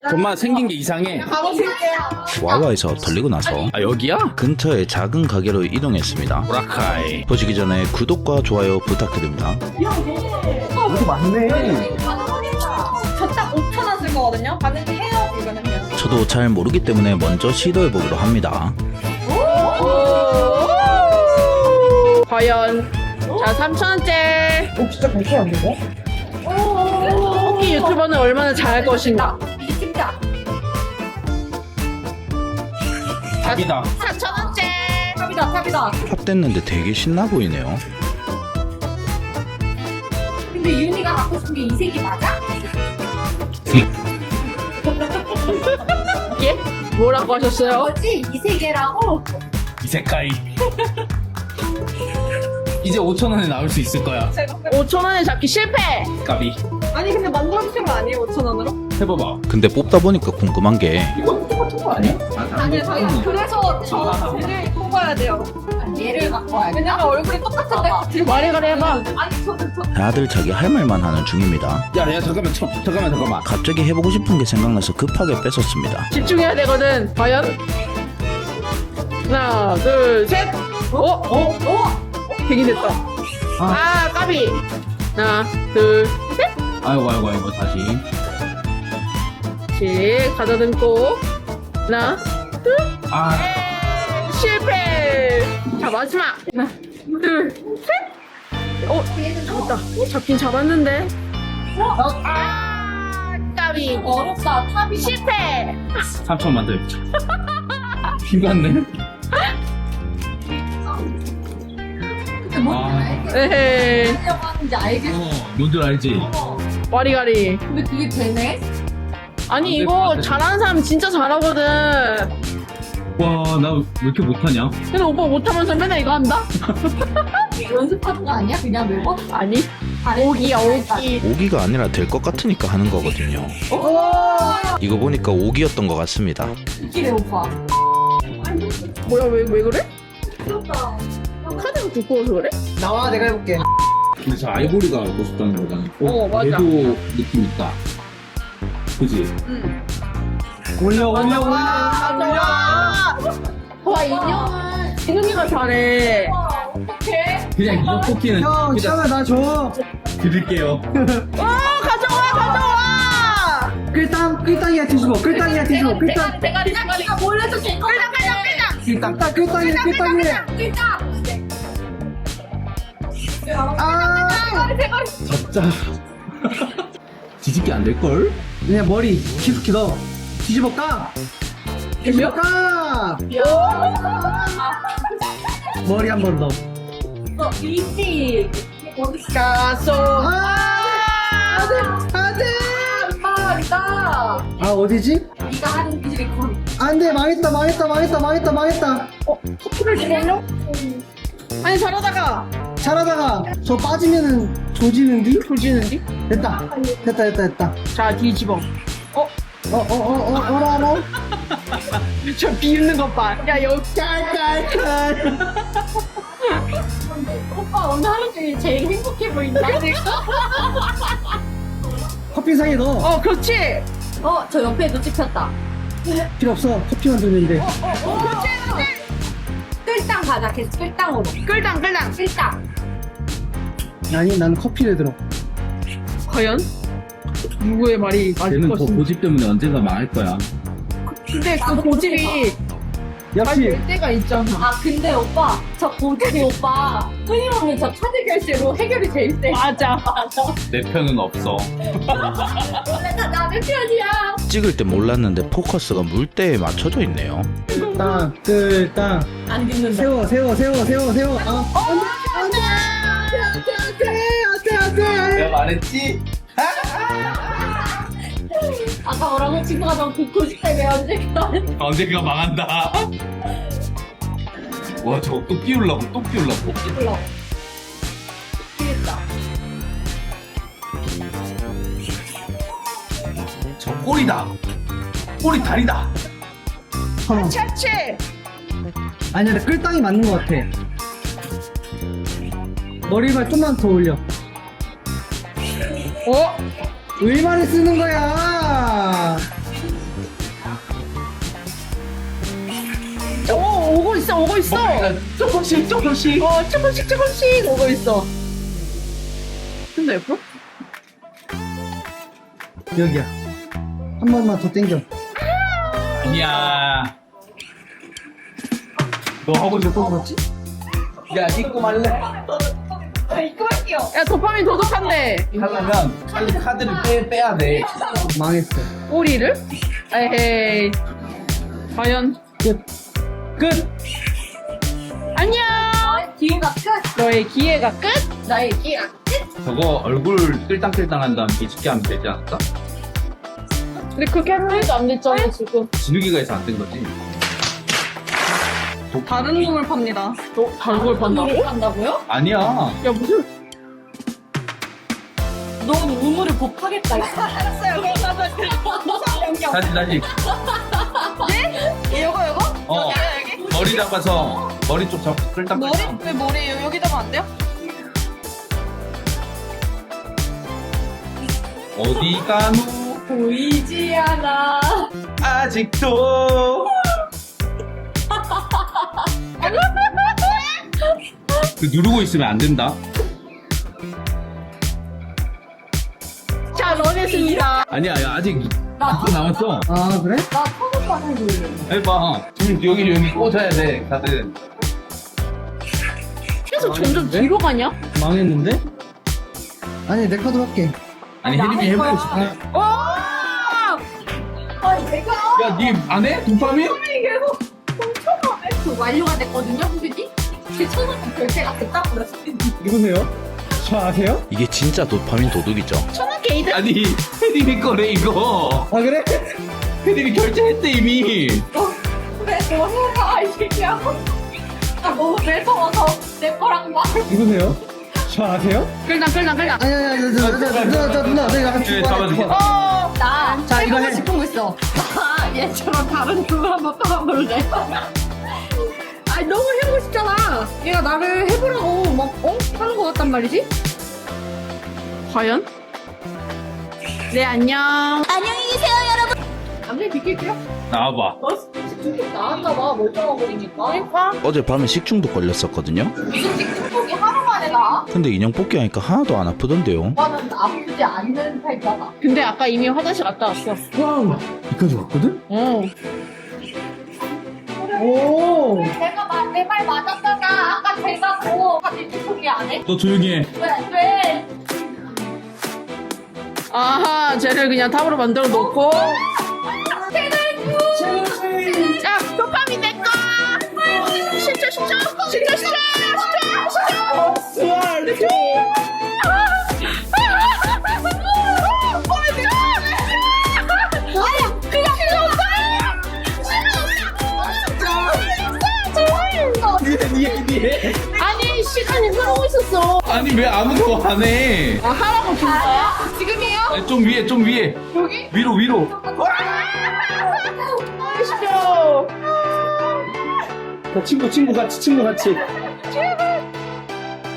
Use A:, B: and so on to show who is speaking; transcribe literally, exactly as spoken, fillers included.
A: 정말 생긴 게 이상해.
B: 가고 싶게요.
C: 와와에서 털리고 나서
A: 아 여기야?
C: 근처의 작은 가게로 이동했습니다.
A: 보라카이.
C: 보시기 전에 구독과 좋아요 부탁드립니다.
A: 이거 맞네.
B: 저딱 오천 원 쓸 거거든요. 가는데 해요. 이거는 해요.
C: 저도 잘 모르기 때문에 먼저 시도해보기로 합니다.
B: 과연 자 삼천 원째.
D: 어, 진짜 괜찮안 되네?
B: 뽑기 유튜버는 얼마나 잘할 것인가.
A: 답이다.
B: 사천 원째. 탑이다 탑이다.
C: 팝됐는데 되게 신나 보이네요.
B: 근데 윤희가 갖고 싶은 게 이 색이 맞아? 예? 뭐라고 하셨어요?
E: 뭐지? 이 세계라고?
A: 이 색깔이. 이제 오천 원에 나올 수 있을 거야.
B: 오천 원에 잡기 실패.
A: 까비.
B: 아니 근데 만들어주신 거 아니에요? 오천 원으로?
A: 해봐봐.
C: 근데 뽑다 보니까 궁금한 게
A: 이거 똑같은 거 아니야?
B: 아니요 저희 그래서 저 쟤를 뽑아야 돼요.
E: 얘를 갖고 와야 돼.
B: 왜냐면 얼굴이 똑같은데 말이 가래 해봐. 아니 저는 저
C: 다들 자기 할 말만 하는 중입니다.
A: 야, 야 잠깐만, 저, 잠깐만, 잠깐만.
C: 갑자기 해보고 싶은 게 생각나서 급하게 뺏었습니다.
B: 집중해야 되거든. 과연? 하나, 둘, 셋. 어? 어? 어? 되긴 됐다. 아, 까비. 하나, 둘, 셋.
A: 아이고, 아이고, 아이고, 다시.
B: 씩 가다듬고. 하나, 둘,
A: 아,
B: 셋. 실패. 자, 마지막. 하나, 둘, 셋. 어, 잡았다. 어, 잡긴 잡았는데. 아, 까비.
E: 어렵다. 탑이
B: 실패.
A: 삼천 만들자. 비맞네. 아,
B: 에헤이.
E: 하려고 하는지 알겠어.
A: 어, 뭔줄 알지?
B: 와리가리.
E: 근데 그게 되네?
B: 아니 이거 잘하는 사람 진짜 잘하거든.
A: 와, 나 왜 이렇게 못하냐?
B: 근데 오빠 못하면서 맨날 이거 한다?
E: 연습하는 거 아니야? 그냥 매번?
B: 아니 오기야 오기.
C: 오기가 아니라 될 것 같으니까 하는 거거든요. 이거 보니까 오기였던 것 같습니다.
E: 이기래 오빠.
B: 뭐야 왜 왜 그래? 카드가 두꺼워서 그래?
D: 나와, 내가 해볼게.
A: 근데 저 아이보리가 갖고 싶다는 거잖아.
B: 어, 맞아.
A: 얘도 느낌 있다. 그지?
B: 응.
D: 올려, 올려, 올려.
B: 아 좋아.
E: 와 인형은
B: 진웅이가 잘해.
E: 어떡해?
A: 그냥 이거 뽑기는
D: 형,
A: 그냥
D: 시험에 나 줘.
A: 드릴게요.
B: 와 가져와 가져와.
D: 끌당, 끌당이야, 뒤집어. 끌당이야, 뒤집어. 끌당.
E: 대가리 대가리가 몰라서 될거 같아.
D: 끌당, 끌당이야, 끌당이야.
E: 끌당.
D: 아,
A: 진짜. 뒤집기 안 될걸?
D: 그냥 머리 깊숙이 넣어. 뒤집어 까. 뒤집어 까. 머리 한 번 더.
E: 어, 이지.
B: 가소.
D: 아, 안 돼.
E: 말이다.
D: 아, 어디지?
E: 네가 하는 기술이 거의.
D: 안 돼, 망했다, 망했다, 망했다, 망했다, 망했다.
B: 커피를 주물려? 아니 잘하다가
D: 잘하다가 저 빠지면은 조지는디?
B: 조지는디?
D: 됐다. 됐다, 됐다, 됐다.
B: 자 뒤집어.
D: 어, 어, 어, 어, 어라, 어라.
B: 저 비웃는 것 봐. 야 여기.
D: 깔깔깔.
E: 오빠 오늘 하루 중에 제일 행복해 보인다.
D: 커피상에 넣어.
B: 어 그렇지.
E: 어, 저 옆에도 찍혔다.
D: 필요 없어. 커피만 들면 돼.
E: 끌당 가자. 계속 끌당으로.
B: 끌당 끌당.
E: 끌당.
D: 아니, 난 커피를 들어.
B: 과연 누구의 말이 맞을
A: 걔는 그
B: 것인지.
A: 고집 때문에 언젠가 망할 거야.
B: 근데 그 고집이
D: 역시
B: 될 때가 있잖아.
E: 아, 근데 오빠, 저 고집이 오빠, 끊임없는 저 카드 결제로 해결이 될 때.
B: 맞아.
E: 맞아.
A: 내 편은 없어.
E: 원래 다 남의 편이야.
C: 찍을 때 몰랐는데 포커스가 물대에 맞춰져 있네요.
D: 끌당, 끌당.
E: 안 듣는다.
D: 세워, 세워, 세워, 세워, 세워. 어, 안 돼, 안 돼, 안 돼, 안 돼, 안 돼, 안 돼.
A: 내가 말했지?
E: 아까 뭐라고 친구가 너무 고집 때문에 언제까.
A: 언젠가 망한다. 와, 저거 또 끼우려고, 또 끼우려고.
E: 몰라. 되겠다.
A: 저 꼬리다. 꼬리 다리다.
D: 어.
B: 차치.
D: 아니야, 나 끌당이 맞는 것 같아. 머리만 좀만 더 올려.
B: 어?
D: 의마를 쓰는 거야.
B: 오고 있어.
A: 조금씩 조금씩.
B: 어, 조금씩 조금씩 오고 있어. 근데 옆으로?
D: 여기야. 한 번만 더 당겨.
A: 아니야. 너 하고 싶어?
D: 그렇지?
A: 야, 입고 말래?
E: 입금할게요.
B: 야, 도파민 도둑한데.
A: 하려면 빨리 카드를 빼, 빼야 돼.
D: 망했어.
B: 꼬리를? 에헤이. 과연?
D: 끝.
A: 끝!
B: 안녕!
E: 나의 기회가 끝.
B: 너의 기회가 끝?
E: 나의 기회가 끝.
A: 저거 얼굴 끌당끌당 한 다음 뒤집게 하면 되지 않을까?
B: 근데 그렇게 하는 애도 안 됐잖아, 지금.
A: 진욱이가 해서 안 된 거지.
B: 다른 꿈을 팝니다. 너 다른 걸 봤나고?
E: 우물을 판다고요?
A: 아니야.
B: 야, 무슨.
E: 넌 우물을 못 파겠다. 알았어요.
A: 다시, 다시.
B: 이거, 이거?
A: 어. 머리 잡아서 머리 쪽 잡고 끌당끌당.
B: 왜 머리 여기다가 안 돼요?
A: 어디 가노?
E: 보이지 않아.
A: 아직도. 그 누르고 있으면 안 된다.
B: 자, 런했습니다.
A: 아니야, 야, 아직
E: 나,
A: 또 남았어.
D: 아, 그래?
E: 나 처음 봐는 거예요.
A: 해봐. 지금 여기 여기 꽂아야 돼, 카드.
B: 계속 점점 뒤로 가냐?
D: 망했는데? 아니, 내 카드 할게.
A: 아니 혜림이 해보고 싶어.
B: 오!
E: 아니, 내가
A: 야, 니 안 해? 도파민?
E: 계속 훔쳐가. 그 완료가 됐거든요, 그지? 제 천원 결제가 됐다고 그랬어요.
D: 누구세요? 저 아세요?
C: 이게 진짜 도파민 도둑이죠.
B: 천원 게이드?
A: 아니 혜림이 거래 이거.
D: 아, 그래?
A: 혜림이 결제했대 이미.
E: 그래, 뭐 해라, 이 새끼야. 나 너무 매서워서 내 거랑 막.
D: 누구세요? 저 아세요?
B: 끌당, 끌당, 끌당.
D: 아니, 아니, 아니, 누나, 누나, 누나, 누나, 누나, 내가 같이
A: 네,
D: 죽어.
A: 잡아줄게.
B: 어!
E: 나
D: 자, 이거
E: 해보고
D: 해.
E: 싶은 거 있어. 아, 얘처럼 다른 춤을 한번 떠볼래? 아니, 너무 해보고 싶잖아. 얘가 나를 해보라고 막, 어? 하는 거 같단 말이지?
B: 과연? 네, 안녕.
E: 남들 비킬게요.
A: 나와봐.
E: 너 식중독 나왔나봐, 멀쩡한 거리니까.
C: 어젯밤에 식중독 걸렸었거든요.
E: 무슨 식중독이 하루 만에 나?
C: 근데 인형 뽑기 하니까 하나도 안 아프던데요.
E: 오빠는 아프지 않는 타입이잖아.
B: 근데 아까 이미 화장실 갔다 왔어.
D: 와우. 여기까지 왔거든?
B: 어.
D: 오.
E: 내가 내 말 맞았잖아. 아까 제가 뭐 다들 식중독이 안 해?
A: 너 조용히 해.
E: 왜? 왜?
B: 아하, 쟤를 그냥 탑으로 만들어 놓고. 자, 도파민 내 거! 십초, 십초! 십초, 십초! 십초, 십초! 아니, 그냥 필요 없어요!
A: 니해 니해 니해.
B: 아니, 시간이 흐르고 있었어.
A: 아니 왜 아무도 안 해?
B: 아, 하라고 준 거야? 지금이에요?
A: 아니, 좀 위에 좀 위에.
B: 여기?
A: 위로 위로.
B: 십초!
D: 친구, 친구 같이, 친구 같이.
B: 제발!